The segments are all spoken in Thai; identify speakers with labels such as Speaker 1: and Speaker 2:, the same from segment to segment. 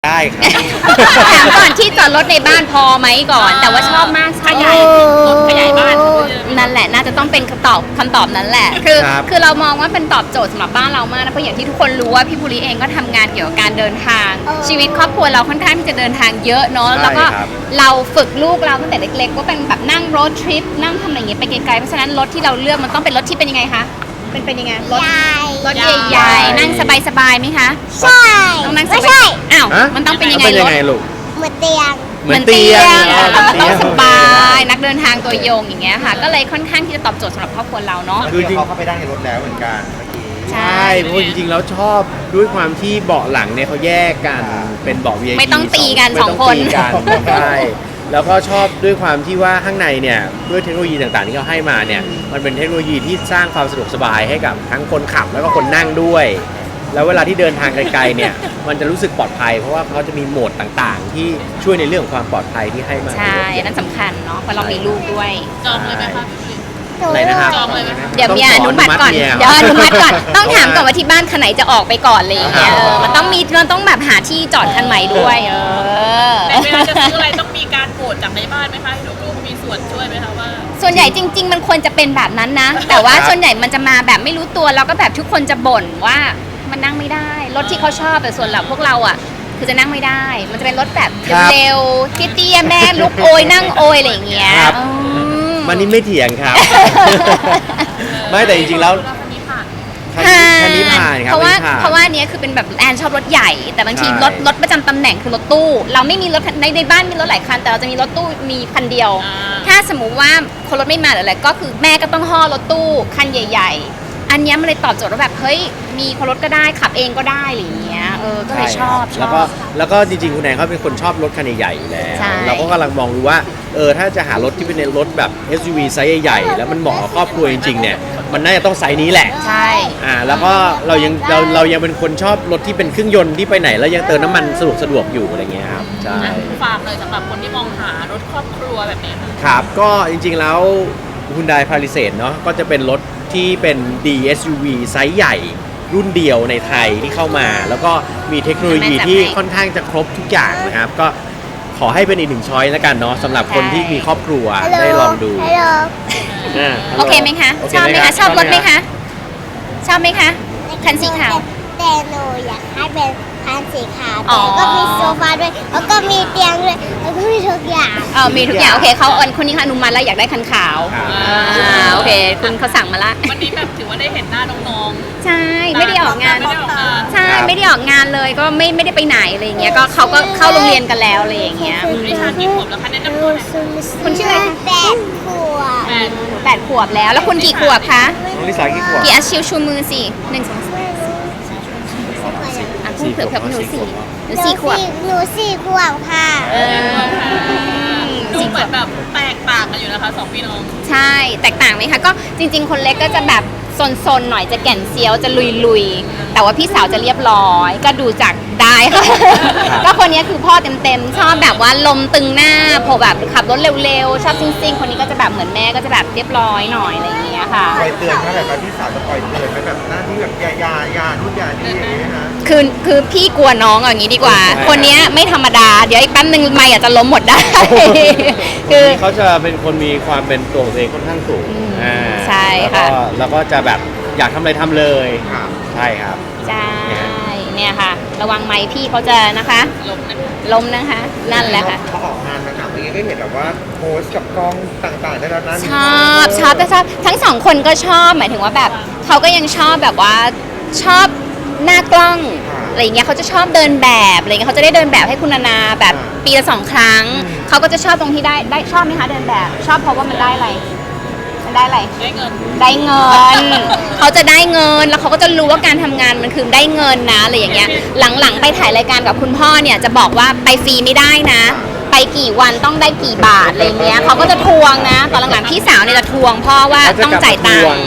Speaker 1: ได้ครับ
Speaker 2: ถามก่อนที่จอดรถในบ้านพอไหมก่อน แต่ว่าชอบมากขยายรถขยายบ้านนั่นแหละน่าจะต้องเป็นคำตอบนั้นแหละคือเรามองว่าเป็นตอบโจทย์สำหรับบ้านเรามากนะเพราะอย่างที่ทุกคนรู้ว่าพี่ภูริเองก็ทำงานเกี่ยวกับการเดินทางชีวิตครอบครัวเราค่อนข้างที่จะเดินทางเยอะเนาะแล้วก็เราฝึกลูกเราตั้งแต่เล็กๆว่าเป็นแบบนั่งรถทริปนั่งทำอะไรอย่างเงี้ยไปไกลๆเพราะฉะนั้นรถที่เราเลือกมันต้องเป็นรถที่เป็นยังไงคะเป็นยังไงรถใหญ่ๆนั่งสบายๆไหมคะ
Speaker 3: ใช่
Speaker 2: ต้องนั่งส
Speaker 3: ไม่
Speaker 2: บา
Speaker 3: ใช่
Speaker 2: ยอ้าวมันต้องเป็นยังไง
Speaker 1: เป็น
Speaker 2: ร
Speaker 1: ยัง
Speaker 2: ถ
Speaker 1: ไงลูก
Speaker 3: เหมือนเตียง
Speaker 1: เหมือนเตียง
Speaker 2: มันต้องสบายนักเดินทางตัวโยงอย่างเงี้ยค่ะก็เลยค่อนข้างที่จะตอบโจทย์สำหรับครอบครัวเราเนาะ
Speaker 1: คือจริง
Speaker 4: เขาเข้าไปได้ในรถแล้วเหมือนกันเมื่อกี้
Speaker 2: ใช่
Speaker 1: ใช่เพราะจริงๆแล้วชอบด้วยความที่เบาะหลังเนี่ยเขาแยกกันเป็นเบาะ VIP
Speaker 2: ไม่ต้องตีกัน
Speaker 1: ไม่
Speaker 2: สอง
Speaker 1: ต้
Speaker 2: คน
Speaker 1: ตีกันใช่แล้วก็ชอบด้วยความที่ว่าข้างในเนี่ยด้วยเทคโนโลยีต่างๆที่เขาให้มาเนี่ยมันเป็นเทคโนโลยีที่สร้างความสะดวกสบายให้กับทั้งคนขับแล้วก็คนนั่งด้วย แล้วเวลาที่เดินทางไกลๆเนี่ยมันจะรู้สึกปลอดภัยเพราะว่าเขาจะมีโหมดต่างๆ ที่ช่วยในเรื่องของความปลอดภัยที่ให้มา
Speaker 2: ใช่อันนั้นสำคัญเนาะเพราะเรามีลูกด้วย
Speaker 5: จองเลยไหมคะ
Speaker 1: อะไรนะครับ
Speaker 5: จองเลยไหมคะ
Speaker 2: เดี๋ยวมีอนุมัติก่อนเดี๋ยวอนุมัติก่อนต้องถามก่อนว่าที่บ้านคันไหนจะออกไปก่อนอะไรอย่างเงี้ยมันต้องแบบหาที่จอดคันใหม่ด้วย
Speaker 5: ในเวลาจะซื้ออะไรต้องมีการโหวตจากในบ้านไหมคะให้ลูกๆมีส่วนช่วยไหมคะว่า
Speaker 2: ส่วนใหญ่จริง ๆ มันควรจะเป็นแบบนั้นนะ แต่ว่าส่วนใหญ่มันจะมาแบบไม่รู้ตัวแล้วก็แบบทุกคนจะบ่นว่ามันนั่งไม่ได้รถที่เขาชอบแต่ส่วนเราพวกเราอ่ะคือจะนั่งไม่ได้ มันจะเป็นรถแบบเร็วๆเตี้ยๆแม่ลุกโอยนั่งโอยอะไรอย่างเงี้ย
Speaker 1: ครับ มันนี่ไม่เถียงครับ ไม่แต่จริงๆแล้วคันนี้ผ่านครับ
Speaker 2: เพราะว่า
Speaker 1: คันนี้ผ่น
Speaker 2: เพราะว่าเนี้ยคือเป็นแบบแอนชอบรถใหญ่ แต่บางที
Speaker 1: ใช่
Speaker 2: รถประจำตำแหน่งคือรถตู้ เราไม่มีรถในบ้านมีรถหลายคันแต่เราจะมีรถตู้มีคันเดียว ถ้าสมมุติว่าคนรถไม่มาหรืออะไรก็คือแม่ก็ต้องห่อรถตู้คันใหญ่ ๆ อันเนี้ยมันเลยตอบโจทย์ว่าแบบเฮ้ยมีคนรถก็ได้ขับเองก็ได้อะไรอย่างเงี้ยก็เลยชอบ
Speaker 1: แล้วก็จริงๆคุณแอนเขาเป็นคนชอบรถคันใหญ่ๆอยู่แล้ว
Speaker 2: ใช่
Speaker 1: เราก็กำลังมองดูว่าถ้าจะหารถที่เป็นรถแบบ SUV ไซส์ใหญ่ๆแล้วมันเหมาะกับครอบครัวจริงๆเนี่ยมันน่าจะต้องไซส์นี้แหละ
Speaker 2: ใช่
Speaker 1: แล้วก็เรายังเป็นคนชอบรถที่เป็นเครื่องยนต์ที่ไปไหนแล้วยังเติมน้ำมันสะดวกอยู่อะไรเงี้ยครับใช่
Speaker 5: ฝากเลยสำหรับคนที่มองหารถครอบครัวแบบนี้ค่ะ
Speaker 1: ครับก็จริงๆแล้ว Hyundai Palisade เนาะก็จะเป็นรถที่เป็น DSUV ไซส์ใหญ่รุ่นเดียวในไทยที่เข้ามา แล้วก็มีเทคโนโลยีที่ค่อนข้างจะครบทุกอย่างนะครับก็ขอให้เป็นอีกหนึ่งช้อยส์แล้วกันเนาะสำหรับคนที่มีครอบครัวได้ลองดู
Speaker 3: ฮัลโหล
Speaker 2: โอเคไหมคะ
Speaker 1: โอเค
Speaker 2: ชอบไหมคะชอบรถไหมคะชอบไหมคะคันสีขาว
Speaker 3: แต่หนูอยากให้เป็นคันสีขาว
Speaker 2: อ๋อ
Speaker 3: แต่ก็มีโซฟาด้วยแล้วก็มีเตียงด้วยแล้วก็มีทุกอย่าง
Speaker 2: มีทุกอย่างโอเคเขาคนนี้ค่ะอนุมัติแล้วอยากได้คันขาว
Speaker 1: ครับ
Speaker 2: โอเคคุณเขาสั่งมาละ
Speaker 5: วันนี้แบบถือว่าได้เห็นหน้าน้อง
Speaker 2: ใช่ไม่ได้ออกงาน
Speaker 5: ไม่ได้ออกงาน
Speaker 2: ใช่ไม่ได้ออกงานเลยก็ไม่ได้ไปไหนอะไรอย่างเงี้ยก็เขาก็เข้าโรงเรียนกันแล้วอะไรอย่างเงี้ย
Speaker 5: ๆนิชากี่ขวบแล้วคะแนะนำตัวหน่อย
Speaker 2: คุณชื่ออะไรคะ
Speaker 3: 8 ขวบ
Speaker 2: 8 ขวบแล้ว แล้วคุณกี่ขวบคะ
Speaker 1: น้องลิสากี่ขวบ
Speaker 2: กี่อาชิวชูมือสิ1 2 3อ่ะพูดเผื่อหนูสี่ขวบ
Speaker 3: หนูสี่ขวบค่ะ
Speaker 5: ดูเหมือนแบบแตกต่างกันอยู่นะคะสองพี่น้อง
Speaker 2: ใช่แตกต่างไหมคะก็จริง ๆ คนเล็กก็จะแบบซนๆหน่อยจะแก่นเซียวจะลุยๆแต่ว่าพี่สาวจะเรียบร้อยก็ดูจากได้ค่ะ ก็คนนี้คือพ่อเต็มๆชอบแบบว่าลมตึงหน้าพอแบบขับรถเร็วๆชอบซิ่งๆคนนี้ก็จะแบบเหมือนแม่ก็จะแบบเรียบร้อยหน่อยอะไรอย่างเงี้ยค่ะ
Speaker 4: คอยเตือนเขาแบบว่าพี่สาวจะคอยเตือนไหมแบบหน้าที่แบบยานู่นยานี่อย่างนี้นะ
Speaker 2: คือพี่กลัวน้องอย่างนี้ดีกว่า คนนี้ไม่ธรรมดาเดี๋ยวอีกแป๊บนึงไม่อาจจะล้มหมดได้ คือ
Speaker 1: เขาจะเป็นคนมีความเป็นตัวของตัวเองค่อนข้างสูง
Speaker 2: ใช่ค่ะ
Speaker 1: แล้วก็จะแบบอยากทำอะไรทำเลย
Speaker 4: ครับ
Speaker 1: ใช่ครับ
Speaker 2: ใช่เนี่ยค่ะ ระวังไม้พี่เขาจะนะคะ ล้มนะคะ นั่นแหละค่ะ
Speaker 4: พอออกงานมาถามเมื่อกี้ก็เห็นแบบว่าโพสกับกล้องต่างๆได้แล้วนะ
Speaker 2: ชอบแต่ชอบทั้งสองคนก็ชอบหมายถึงว่าแบบเขาก็ยังชอบแบบว่าชอบหน้ากล้องอะไรอย่างเงี้ยเขาจะชอบเดินแบบอะไรเงี้ยเขาจะได้เดินแบบให้คุณนานาแบบปีละ2 ครั้งเขาก็จะชอบตรงที่ได้ชอบไหมคะเดินแบบ ชอบเพราะว่ามันได้อะไรมันได้อะไร
Speaker 5: ได้เงิน
Speaker 2: ได้เงิน เขาจะได้เงินแล้วเขาก็จะรู้ว่าการทำงานมันคือได้เงินนะอะไรอย่างเงี้ยหลังๆไปถ่ายรายการกับคุณพ่อเนี่ยจะบอกว่าไปฟรีไม่ได้นะ ไปกี่วันต้องได้กี่บาทอะไรเงี้ยเขาก็จะทวงนะตอนหลังๆพี่สาวเนี่ยจะทวงพ่อว่าต้องจ่ายตังค์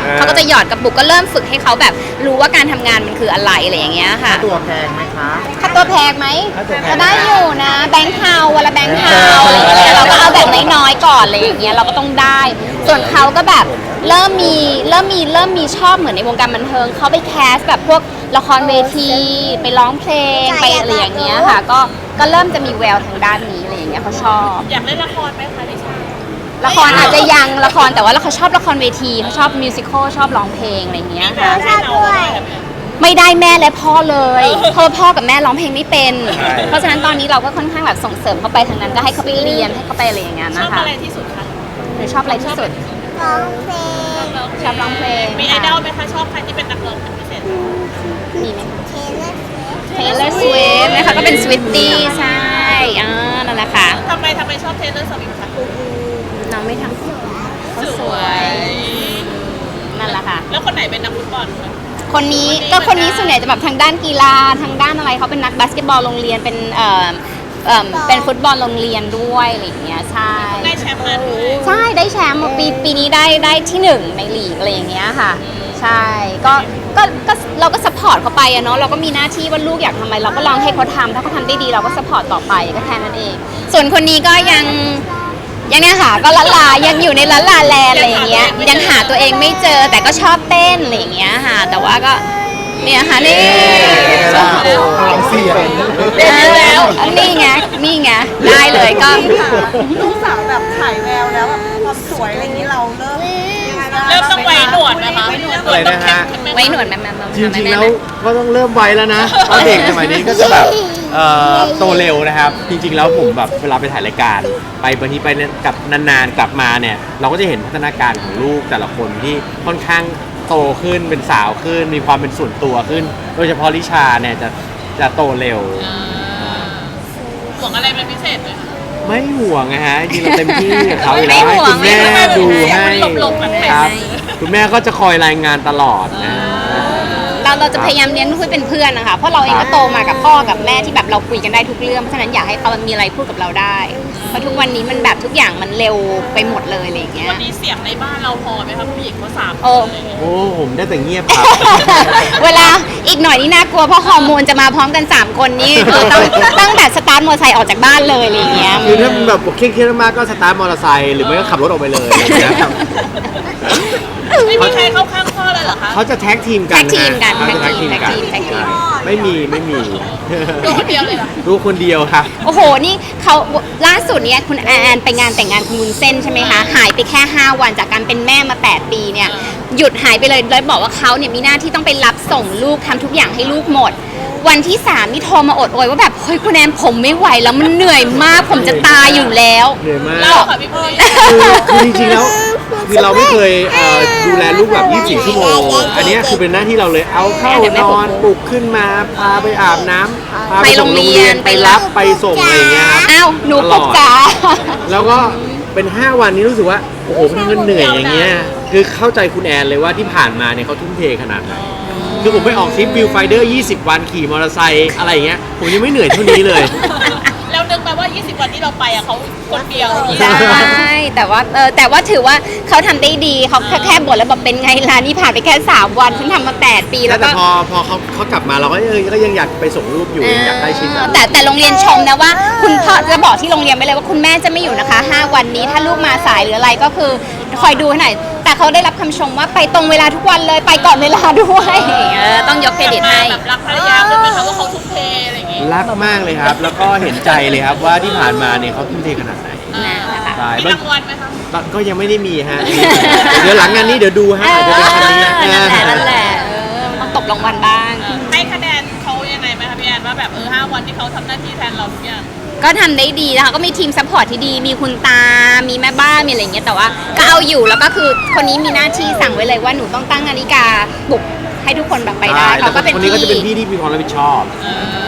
Speaker 2: เขาก็จะหยอดกระปุกก็เริ่มฝึกให้เขาแบบรู้ว่าการทำงานมันคืออะไรอะไรอย่างเงี้ยค่ะ
Speaker 4: ตัวแพงไหมคะ
Speaker 2: ค่าตัวแพงไหม
Speaker 4: ค่าตัวแพง
Speaker 2: ก็ได้อยู่นะแบงค์เทาวันละแบงค์เทาอะไรอย่างเงี้ยเราก็เอาแบบน้อยๆก่อนอะไรอย่างเงี้ยเราก็ต้องได้ ส่วนเขาก็แบบเริ่มมีชอบเหมือนในวงการบันเทิงเขาไปแคสแบบพวกละครเวทีไปร้องเพลงไปอะไรอย่างเงี้ยค่ะ ก็เริ่มจะมีแววทางด้านนี้อะไรอย่างเงี้ยเขาชอบ
Speaker 5: อยากเล่นละครไหมคะดิฉัน
Speaker 2: ละครอาจจะยังละครแต่ว่าเขาชอบละครเวทีเขาชอบมิวสิควลชอบร้องเพลงอะไรอย่างเงี้ยค่ะ
Speaker 3: ชอบด้วย
Speaker 2: ไม่ได้แม่และพ่อเลยเพราะพ่อกับแม่ร้องเพลงไม่เป็น
Speaker 1: ใช่
Speaker 2: เพราะฉะนั้นตอนนี้เราก็ค่อนข้างแบบส่งเสริมเขาไปทางนั้นก็ให้เขาไปเรียนให้เขาไปอะไรอย่างเงี้ย
Speaker 5: ชอบ
Speaker 2: นะคะ
Speaker 5: อะไรที่สุดคะ
Speaker 2: หรือชอบอะไรที่สุด
Speaker 3: ร้องเพลง
Speaker 2: ชอบร้องเพลง
Speaker 5: มีไอดอลไหมคะชอบใครที่เป็นนักร้องเป็นพิเศษ
Speaker 2: มีไหม
Speaker 3: เทเลอร์สวิฟต์
Speaker 2: Taylor Swift นะคะก็เป็น Swiftie ใช่นั่นแหละค่ะ
Speaker 5: ทำไมชอบเทเลอร์สวิฟต์คะ
Speaker 2: น้องไม่ทำเขาสวย นั่นแหละค่ะ
Speaker 5: แล้วคนไหนเป็นนักฟุตบอลคะ
Speaker 2: คนนี้ส่วนใหญ่จะแบบทางด้านกีฬาทางด้านอะไรเขาเป็นนักบาสเกตบอลโรงเรียนเป็นฟุตบอลโรงเรียนด้วยอะไรอย่างเงี้ยใช่
Speaker 5: ได้แชมป์มาด้วย
Speaker 2: ใช่ได้แชมป์ปีนี้ได้ที่หนึ่งในลีกอะไรอย่างเงี้ยค่ะ ใช่ก็เราก็สปอร์ตเขาไปอะเนาะเราก็มีหน้าที่ว่าลูกอยากทำอะไรเราก็ลองให้เขาทำถ้าเขาทำได้ดีเราก็สปอร์ตต่อไปก็แค่นั้นเอง ส่วนคนนี้ก็ยังเนี่ยค่ะก็ละลายังอยู่ในละลาแลนด์อะไรอย่างเงี้ยยังหาตัวเองไม่เจอแต่ก็ชอบเต้นอะไรอย่างเงี้ยค่ะแต่ว่าก็เนี่ยค่ะนี่
Speaker 4: เสียง
Speaker 2: นี่ไงได้เลยก็
Speaker 6: ลูกสาวแบบถ่ายแววแล้วแบบความสวยอะไรอย่างนี้เราเริ่มยังไงบ้าง
Speaker 5: เริ่มต้องไว้หนวดนะคะ
Speaker 1: อะไรนะฮะ
Speaker 2: ไว้หนวดแม่
Speaker 1: จริงๆแล้วก็ต้องเริ่มไวแล้วนะเพราะเด็กสมัยนี้ก็จะแบบโตเร็วนะครับ จริงๆแล้วผมแบบเวลาไปถ่ายรายการไปบางทีไปกับนานๆกลับมาเนี่ยเราก็จะเห็นพัฒนาการของลูกแต่ละคนที่ค่อนข้างโตขึ้นเป็นสาวขึ้น มีความเป็นส่วนตัวขึ้น โดยเฉพาะลิชาเนี่ยจะโตเร็ว
Speaker 5: ห่วงอะไรเป็นพิเศษไหมคะ
Speaker 1: ไม่ห่วงนะฮะจริงๆเราเต็มที่กับเขาอยู่แล้วให้คุณแม่ดูให้ครับคุณแม่ก็จะคอยรายงานตลอดนะ
Speaker 2: เราจะพยายามเลี้ยงลูกให้เป็นเพื่อนนะคะเพราะเราเองก็โตมากับพ่อกับแม่ที่แบบเราคุยกันได้ทุกเรื่องเพราะฉะนั้นอยากให้เขามีอะไรพูดกับเราได้เพราะทุกวันนี้มันแบบทุกอย่างมันเร็วไปหมดเลยอะไรอย่างเงี้ย
Speaker 5: วันนี้เสียงในบ้านเราพอไหมคะผู้หญิงเขาสามค
Speaker 2: โอ้
Speaker 5: นอะไรอย่างเงี้ย
Speaker 1: โอ้ผมได้แต่เงียบครับ
Speaker 2: เวลาอีกหน่อยนี่น่ากลัวเพราะฮอร์โมนจะมาพร้อมกัน 3 คนนี่คือต้องแบบสตาร์ทมอเตอร์ไซค์ออกจากบ้านเลยอะไรอย่างเงี้ย
Speaker 1: คือถ้าแบบเครียดๆมากก็สตาร์ทมอเตอร์ไซค์หรือไม่ก็ขับรถออกไปเลยอะไรอย่างเงี้ยครับ
Speaker 5: ไม่มีใครเข้าข้างพ่อเลยเหรอคะ
Speaker 1: เขาจะแท็กทีมกัน
Speaker 2: แท็กทีมกัน
Speaker 1: เขาจะแท็กทีมกัน
Speaker 2: แท็กทีม
Speaker 1: ไม่มี
Speaker 5: ดูคนเดียวเลยเหรอ
Speaker 1: รู้คนเดียวครับ
Speaker 2: โอ้โห นี่เขาล่าสุดเนี่ยคุณแอนไปงานแต่งงานคุณวุ้นเส้นใช่ไหมคะ หายไปแค่ 5 วันจากการเป็นแม่มา 8 ปีเนี่ย หยุดหายไปเลยแล้วบอกว่าเขาเนี่ยมีหน้าที่ต้องไปรับส่งลูกทำทุกอย่างให้ลูกหมด วันที่ 3 นี่โทรมาอดโอยว่าแบบ เฮ้ยคุณแอนผมไม่ไหวแล้วมันเหนื่อยมาก ผมจะตายอยู่แล้ว
Speaker 1: เหนื่อยมาก
Speaker 5: เล่าค่ะพี่ปุ้ย
Speaker 1: คือจริงๆแล้วคือเราไม่เคยดูแลลูกแบบ24 ชั่วโมง อันเนี้ยคือเป็นหน้าที่เราเลยเอาเข้านอนปลุกขึ้นมาพาไปอาบน้ำพาไปส่งโรงเรียนไปรับไปส่งอะไรอย่างเงี้ยครับ
Speaker 2: อ้าวหนูปลุกจ๋า
Speaker 1: แล้วก็เป็น 5 วันนี้รู้สึกว่า โอ้โหมันทำกันเหนื่อยอย่างเงี้ย คือเข้าใจคุณแอนเลยว่าที่ผ่านมาเนี่ยเขาทุ่มเทขนาดไหน คือผมไปออกทริปวิวไฟเดอร์ 20 วันขี่มอเตอร์ไซค์อะไรอย่างเงี้ย ผมยังไม่เหนื่อยเท่านี้เลย
Speaker 5: แล้วนึกไปว่า 20 วันที่เราไปอ่ะเขาคนเดียว
Speaker 2: ใช่แต่ว่าถือว่าเขาทำได้ดีเขาแค่บ่นแล้วบอกเป็นไงล่ะนี่ผ่านไปแค่ 3 วันฉันทำมา 8 ปีแล้ว
Speaker 1: แต่
Speaker 2: ก็
Speaker 1: พอเขากลับมาเราก็ยังอยากไปส่งลูกอยู่ยังอยากได้ชิ้นแบบ
Speaker 2: แต่โรงเรียนชมนะว่า คุณพ่อจะบอกที่โรงเรียนไปเลยว่าคุณแม่จะไม่อยู่นะคะ 5 วันนี้ถ้าลูกมาสายหรืออะไรก็คือคอยดูให้หน่อยแต่เขาได้รับคำชมว่าไปตรงเวลาทุกวันเลยไปก่อนเวลาด้วยต้องยกเครดิตให้
Speaker 5: แบบรักภรรยาขึ้นไหมคะว่าเขาทุ่มเทอะไรอย่างงี้
Speaker 1: รักมากเลยครับ แล้วก็เห็นใจเลยครับว่าที่ผ่านมาเนี่ยเขาทุ่มเทขนาดไหน
Speaker 2: นะคะ
Speaker 1: ใช่
Speaker 5: มีรางวัลไหมคะ
Speaker 1: ก็ยังไม่ได้มีฮะ เดี๋ยวหลังงานนี้เดี๋ยวดูฮะอาจจะเป็นคันนี้
Speaker 2: นั่นแหละต้องตบรางวัลบ้าง
Speaker 5: ให้คะแนนเขายังไงไหมคะพี่แอนว่าแบบ5 วันที่เขาทำหน้าที่แทนเราทุกอย่าง
Speaker 2: ก็ทำได้ดีนะคะก็มีทีมซัพพอร์ตที่ดี มีคุณตา มีแม่บ้าน มีอะไรอย่างเงี้ย แต่ว่าก็เอาอยู่ แล้วก็คือคนนี้มีหน้าที่สั่งไว้เลยว่าหนูต้องตั้งนาฬิกาปลุกให้ทุกคนแบบไปได้ เขาก็เป็น
Speaker 1: คนนี้ก็จะเป็น
Speaker 2: พี่
Speaker 1: พี่ที่มีความรับผิดชอบ
Speaker 2: ใ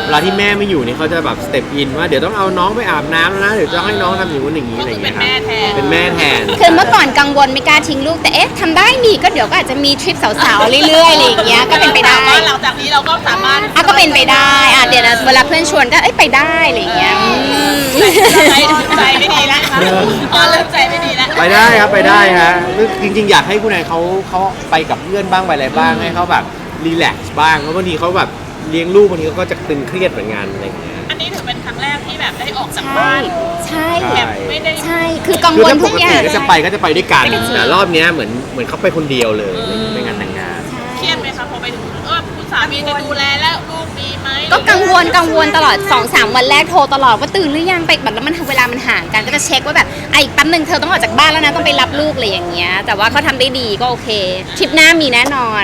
Speaker 1: เวลาที่แม่ไม่อยู่นี่เขาจะแบบสเต็ปอินว่าเดี๋ยวต้องเอาน้องไปอาบน้ำแล้วนะเดี๋ยวจะให้น้องทำอย่างนู้นอย่างนี้อะไรอย่างเงี้ยครับเป็นแม่แทน
Speaker 2: คือเมื่อก่อนกังวลไม่กล้าทิ้งลูกแต่เอ๊ะทำได้นี่ก็เดี๋ยวก็อาจจะมีทริปสาวๆเรื่อยๆอะไรอย่างเงี้ยก็เป็นไปได้
Speaker 5: หลังจากนี้เราก็สามารถ
Speaker 2: ก็เป็นไปได้เดี๋ยวนะเวลาเพื่อนชวนก็ไปได้อะไรอย่างเงี้ย
Speaker 5: ใจไม่ดีแล้วเริ่มใจไม่ดีแล้ว
Speaker 1: ไปได้ครับไปได้ฮะจริงๆอยากให้คุณนายเขาไปกับเพื่อนบ้างไปอะไรบ้างให้เขาแบบรีแลกซ์บ้างเพราะบางทีเขาแบบเลี้ยงลูกบางทีเขาก็จะตึงเครียดเหมือนกันอะไรอย่างเงี้ย
Speaker 5: อันนี้ถือเป็นครั้งแรกที่แบบได้ออกจาก
Speaker 2: ใช่
Speaker 5: บ้าน
Speaker 2: ใช่
Speaker 5: แบบไม่ได้
Speaker 2: ใช่คือกัง
Speaker 1: คือ
Speaker 2: วล
Speaker 1: ถ้าป
Speaker 2: ทุก
Speaker 1: ก
Speaker 2: อ
Speaker 1: ติ
Speaker 2: ย่าง
Speaker 1: ก็จะไปด้วยกันแต่รอบเนี้ยเหมือนเขาไปคนเดียวเลยไปงานแต่งงาน
Speaker 5: เครียดไหมคะพอไปถึงคุณสามีจะดูแลแล้วลูกมีไหม
Speaker 2: ก็กังวลตลอด 2-3 วันแรกโทรตลอดว่าตื่นหรือยังไปแบบแล้วมันเวลามันห่างกันก็จะเช็คว่าแบบอีกแป๊บนึงเธอต้องออกจากบ้านแล้วนะต้องไปรับลูกอะไรอย่างเงี้ยแต่ว่าเขาทำได้ดีก็โอเคทริปหน้ามีแน่นอน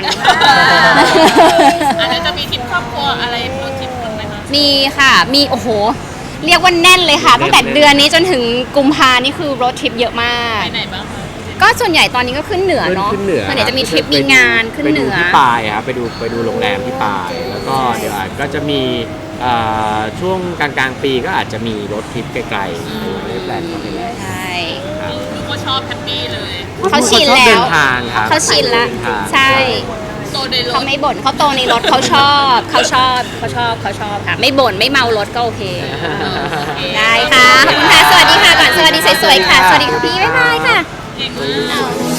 Speaker 5: อันนั้นจะมีทริปครอบครัวอะไรพูดทริปกันไหมคะ
Speaker 2: มีค่ะมีโอ้โหเรียกว่าแน่นเลยค่ะตั้งแต่เดือนนี้จนถึงกุมภานี่คือรถทริปเยอะมาก
Speaker 5: ไปไหนบ้างคะ
Speaker 2: ก็ส่วนใหญ่ตอนนี้ก็ขึ้นเหนือเนาะ
Speaker 1: ขึ้นเหนือ
Speaker 2: ส่วนใหญ่จะมีทริปมีงานขึ้นเหนือ
Speaker 1: ไปดูที่ปายครับไปดูโรงแรมที่ปายแล้วก็เดี๋ยวอาจก็จะมีช่วงกลางปีก็อาจจะมีรถทริปไกลๆในแปลนก็ไม่แล้
Speaker 2: ใช่
Speaker 5: ลูกก็ชอบแฮปปี้เลย
Speaker 2: เขาชิน
Speaker 1: ชอบ
Speaker 2: แล้
Speaker 1: เดิ
Speaker 2: วน
Speaker 1: ทางครับ
Speaker 2: เขาชินแล้ว
Speaker 1: เดินทาง
Speaker 2: ใช่
Speaker 5: โตในร
Speaker 2: เขา
Speaker 5: ถ
Speaker 2: ไม่บ่นเขาโตในรถเขาชอบค่ะไม่บ่นไม่เมารถก็โอเค ได้ค่ะขอบคุณค่ะสวัสดีค่ะก่อนสวัสดีสวยๆค่ะสวัสดีค่ะพี่บ๊ายบายค่ะ
Speaker 5: เก่งมาก